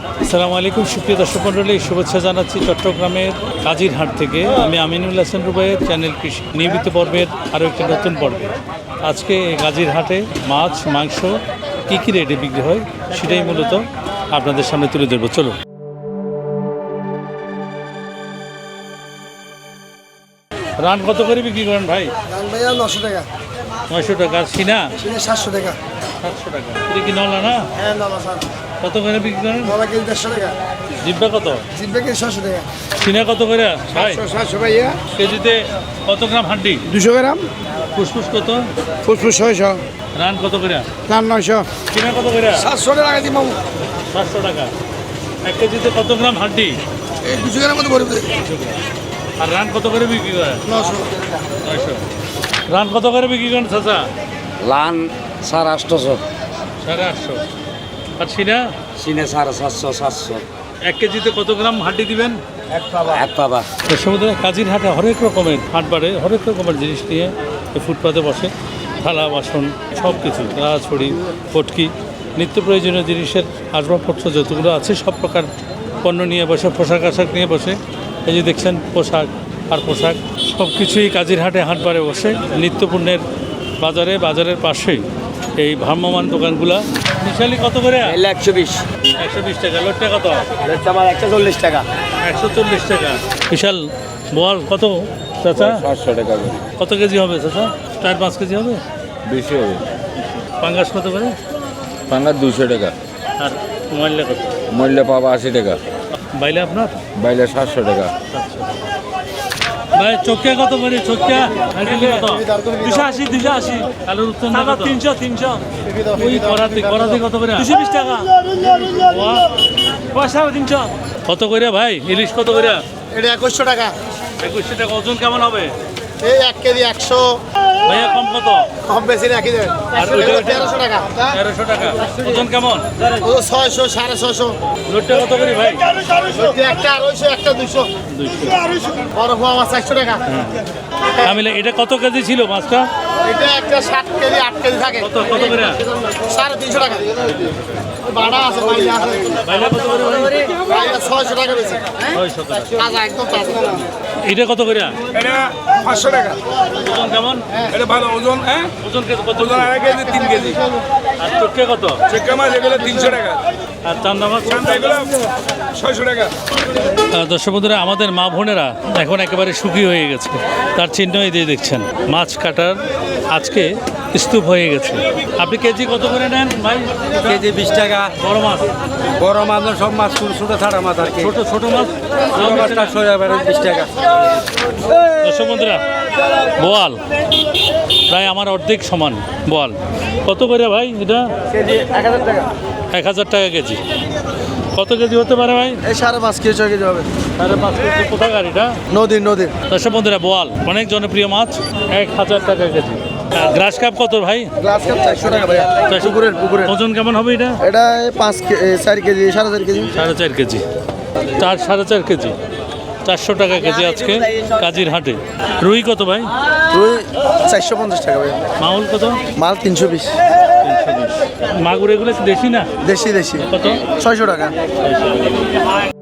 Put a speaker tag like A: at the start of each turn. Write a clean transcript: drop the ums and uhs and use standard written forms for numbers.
A: আসসালামু আলাইকুম সুপ্রিয় দর্শক মণ্ডলী, শুভেচ্ছা জানাচ্ছি চট্টগ্রামের কাজিরহাট থেকে। আমি আমিনুল হাসান রুবাইয়ের চ্যানেল কৃষি নিয়মিত পর্বের আরও একটি নতুন পর্বে। আজকে এই কাজিরহাটে মাছ মাংস কী রেটে বিক্রি হয় সেটাই মূলত আপনাদের সামনে তুলে ধরবো। চলুন। রান কত করে বিক্রি করেন ভাই?
B: ভাইয়া 900 টাকা।
A: 900 টাকা। আর সিনা?
B: 700 টাকা।
A: 700 টাকা। এটা কি নলা না?
B: হ্যাঁ নলা স্যার।
A: কত করে বিক্রি করেন?
B: নলা কেজি 150 টাকা।
A: জিব্বা কত?
B: জিব্বা কেজি 700 টাকা।
A: সিনা কত করে ভাই?
B: 700 ভাইয়া।
A: কেজিতে কত গ্রাম হাড্ডি?
B: 200 গ্রাম।
A: ফুসফুস কত?
B: ফুসফুস 600।
A: রান কত করে?
B: রান 900।
A: সিনা কত করে?
B: 700 টাকা দিই মামু।
A: 700 টাকা। 1 কেজিতে কত গ্রাম হাড্ডি?
B: এই 200 গ্রাম মতো ভরে দেই।
A: আর রান কত করে বিক্রি করে?
B: 900।
A: 900। রান কত করে বিক্রি করেন চাচা?
C: লান 850,
A: 850। আর সিনা?
C: সিনে 750, 700
A: 1 কেজিতে কত গ্রাম হাড্ডি দিবেন?
C: এক পাবা।
A: সমুদ্রে কাজির হাটে হরেক রকমের হাট বাড়ে, হরেক রকমের জিনিস নিয়ে এই ফুটপাতে বসে। থালা বাসন সব কিছু, ছড়ি পটকি নিত্য প্রয়োজনীয় জিনিসের আসবাবপত্র যতগুলো আছে সব প্রকার পণ্য নিয়ে বসে, পোশাক আশাক নিয়ে বসে। এই যে দেখছেন পোশাক আর পোশাক সব কিছুই কাজির হাটে হাট বাড়ে বসে। নিত্যপণ্যের বাজারের পাশেই এই ভ্রাম্যমান দোকানগুলা। মিশালি কত করে?
C: 120,
A: 120 টাকা। লোটটা কত?
C: আমার 140 টাকা।
A: 140 টাকা। বিশাল বোয়াল কত চাচা?
C: 700 টাকা।
A: কত কেজি হবে চাচা? 4-5 কেজি হবে।
C: বেশি হবে।
A: পাঙ্গাস কত করে?
C: পাঙ্গা 200 টাকা।
A: আর মোবাইলটা কত?
C: মূল্য পাবা 80 টাকা।
A: বাইলে আপনার?
C: বাইলে 700 টাকা।
A: ভাই চোখা কত করে? চোখা কত?
D: 280, 280।
A: আলুর উত্তর না কত?
D: 300।
A: ওই করাতে কত করে?
D: 220 টাকা।
A: ওয়া,
D: পয়সা 300।
A: কত করে ভাই? ইলিশ কত করে?
B: এটা 2100 টাকা।
A: 2100 টাকা। ওজন কেমন হবে?
B: এই 1 কেজি 100।
A: ভাইয়া কম কত?
B: কম বেশি রাখি দেন।
A: আর ওইটা?
B: 1300 টাকা।
A: 1300 টাকা। ওজন কেমন?
B: ও 600, 650।
A: লোটটা কত করে ভাই?
B: একটা 250, একটা 200।
A: 200।
B: বড় পোয়া মাছ 100 টাকা।
A: আমি এটা কত কেজি ছিল মাছটা?
B: এটা একটা 7 কেজি 8 কেজি থাকে।
A: কত করে?
B: 350 টাকা। বাড়া আছে, বাইরে আছে।
A: বাইলে কত করে ভাই?
B: বাইরে 600 টাকা বেশি।
A: 600 টাকা।
B: তাজা একদম তাজা।
A: এটা কত করে?
E: এটা 500 টাকা।
A: ওজন কেমন?
E: এটা ভালো ওজন, হ্যাঁ
A: ওজন কত?
E: ওজন 1.5 কেজি 3 কেজি।
A: আর চোখে কত?
E: চেক্কা মাছ এগুলো 300 টাকা।
A: আর চান্দা মাছ?
E: চান্দা এগুলো 600 টাকা।
A: দর্শক বন্ধুরা, আমাদের মা বোনেরা এখন একেবারে সুখী হয়ে গেছে। তার চিহ্নই দিয়ে দেখছেন মাছ কাটার আজকে স্তূপ হয়ে গেছে। আপনি কেজি কত করে নেন ভাই?
C: কেজি 20 টাকা।
A: বড় মাছ?
C: বড় মাছ সব মাছ ছোট ছাড়া মাছ আর কি।
A: ছোট মাছ?
C: 20 টাকা।
A: দর্শক বন্ধুরা, বোয়াল প্রায় আমার অর্ধেক সমান। বোয়াল কত করে ভাই? এটা
B: কেজি 1000 টাকা।
A: 1000 টাকা কেজি। কত কেজি হতে পারে ভাই?
B: এই 5.5 কেজি 6 কেজি হবে।
A: 5.5 কেজি। কোথায় গাড়িটা?
B: নদীর।
A: দর্শক বন্ধুরা, বোয়াল অনেক জনপ্রিয় মাছ, 1000 টাকা কেজি। গ্রাস কাপ কত ভাই?
B: গ্লাস কাপ 400 টাকা ভাইয়া। পুকুরের।
A: ওজন কেমন হবে এটা?
B: এটা 4 কেজি 4.5 কেজি।
A: 4.5 কেজি। 4.5 কেজি। 400 টাকা কেজি আজকে কাজির হাটে। রুই কত ভাই?
B: রুই 450 টাকা ভাইয়া।
A: মাউল কত?
B: মাল 320।
A: মাগুর এগুলো কি দেশি না?
B: দেশি।
A: কত?
B: 600 টাকা।